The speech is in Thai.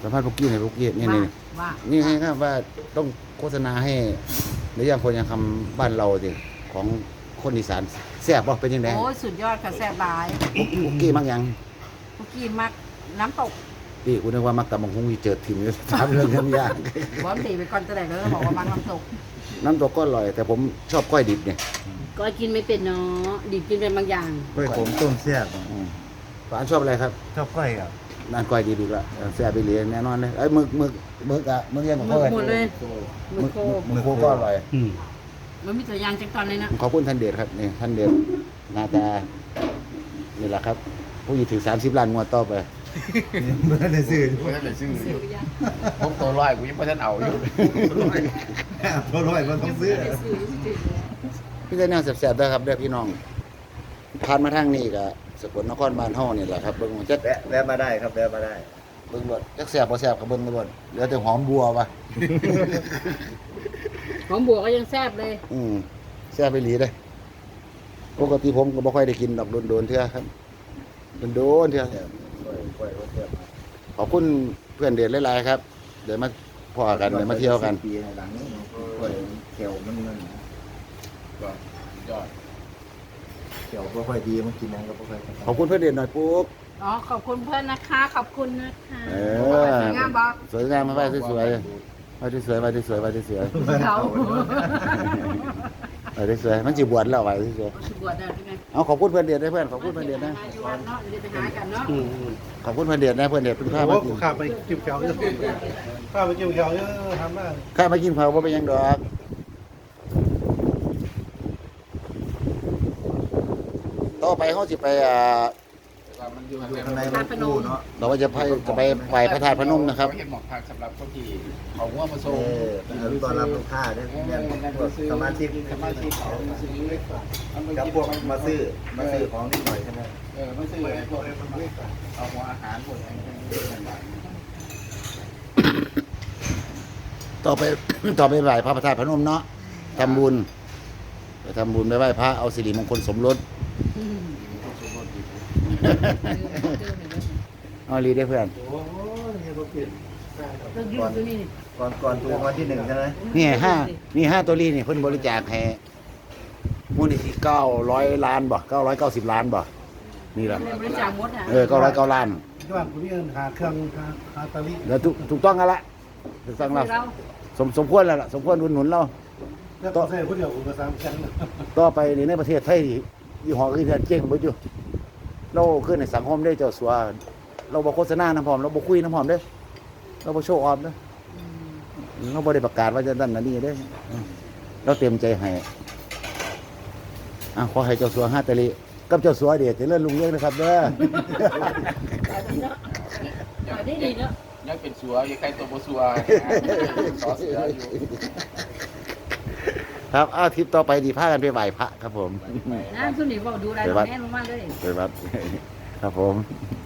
สัมภาษณ์พวกกี้ในพวกกี้นี่นี่ว่านี่ให้ครับว่าต้องโฆษณาให้หรือยังคนยังทำบ้านเราสิของคนอีสานแซ่บบ่เป็นยังไงโอ้ยสุดยอดค่ะแซ่บหลายพวกกี้มักยังเมื่อกี้มักน้ำตกพี่กูนึกว่ามักตะมังคงมีเจอทีมอยู่ถามเรื่องยากบอมตีไปก่อนจะได้เลยบอกว่ามักน้ำตกน้ำตกก็อร่อยแต่ผมชอบก้อยดิบเนี่ยก็กินไม่เป็นเนาะดิบกินเป็นบางอย่างกล้วยผมต้มแซ่บฝานชอบอะไรครับชอบกล้วยครับนั่นก้อยดิบอีกแล้วแซ่บไปเลยแน่นอนเลยไอ้ยมึกอะมึกยังกับหมึเขากเลยหมดเลยหมึกโคมึกโคก็อร่อยมันมีตัวอย่างจังตอนเลยนะขอบคุณท่านเดชครับนี่ท่านเดชหน้าตานี่แหละครับผู้หญิงถึง30 ล้านงวดต่อไปเมื่อได้ซื้อกูท่านไหนซื้อผมตัวร้อยกูยังไม่ท่านเอาอยู่ตัวร้อยมันต้องซื้อพี่ได้แนวแซ่บๆด้วยครับเด้อพี่น้องผ่านมาทางนี้ก็สกลนครบ้านเฮานี่แหละครับเบิ่งจักแวะมาได้ครับแวะมาได้เบิ่งรถจักแซ่บบ่แซ่บก็เบิ่งรถเหลือแต่หอมบัวว่ะหอมบัวก็ยังแซ่บเลยแซ่บไปหลีเด้อปกติผมก็บ่ค่อยได้กินดอกโดนๆเทื่อครับโดนๆเทื่อกล้วยแซ่บขอบคุณเพื่อนเดชหลายๆครับเดี๋ยวมาพอกันเดี๋ยวมาเที่ยวกันปีหลังกล้วยเขียวมันก็ยอดเขียวก็ค่อยดีมันกินนั้นก็ค่อยขอบคุณเพื่อนเดชหน่อยปุ๊บอ๋อขอบคุณเพื่อนนะคะขอบคุณนะคะเอสวยงามบอกสวยงามมาไว้สวยๆไว้สวยๆไว้สวยๆไว้สวยเขาๆไว้สวยๆมันสิบวชแล้วไว้สวยบวชได้ใช่ไหมๆเอาขอบคุณเพื่อนเดชนะเพื่อนขอบคุณเพื่อนเดชนะอยู่วัดเนาะเดี๋ยวไปหากันเนาะขอบคุณเพื่อนเดชนะเพื่อนเดชเป็นข้าโอ้มาโหกินข้าไปกินเขียวเยอะข้าไปกินเขียวเยอะทำได้ข้ามากินเผาว่าเป็นหยังดอกต่อไปเขาสิไปมันอยู่ข้างในมันปูเนาะเราว่าจะไปไหว้พระธาตุพนมนะครับเห็นหมอกทางสำหรับคนที่เขาว่ามาเอส่งอตอนรับลูกค้าเนี่ยสมาชิกสมาชิกเขาซื้อเล็กกว่ากับพวกมาซื้อของนิดหน่อยใช่ไหมไม่ซื้ออะไรพวกเอาหัวอาหารพวกอะไรต่างต่อไป ต่อไปไหว้พระธาตุพนมเนาะทำบุญไปทำบุญไปไหว้พระเอาสิริมงคลสมรสเอาลีได้เพื่อนโอ้ยเนี่ยก็เปลี่ยนเราอยู่ตัวนี้ก่อนถูกวันที่ 1ใช่ไหมนี่5ตัวลีนี่เพิ่นบริจาคให้มูลนิธิ900 ล้านบ่990 ล้านบ่นี่ล่ะบริจาคมดอ่ะ 909 ล้านที่บ้านคุณพี่เอิญหาเครื่องหาตะลิแล้วถูกต้องกันละถูกต้องแล้วเราสมควรแล้วล่ะสมควรอุดหนุนเราแล้วก็ใส่คนเดียวผมก็3ชั้นต่อไปนี่ในประเทศไทยยี่ห้ออื่นเจ๊งเบิดอยู่เราขึ้นในสังคมได้เจ้าสัวเราบ่โฆษณานำพร้อมเราบ่คุยนำพร้อมเด้เราบ่โชว์ออฟเด้เราบ่ได้ประกาศว่าจะนั่นน่ะนี่เด้เราเต็มใจให้ขอให้เจ้าสัวฮาตะลิกับเจ้าสัวเดชเจริญรุ่งเรืองนะครับเด้อได้ดีเนาะยังเป็นสัวยังใครตัวโบสัวขอเสืออยู่ครับทริปต่อไปดีพากันไปไหว้พระครับผมน้ำสุนีบอกดูอะไรแน่ลงมาเลยไปวัดครับผม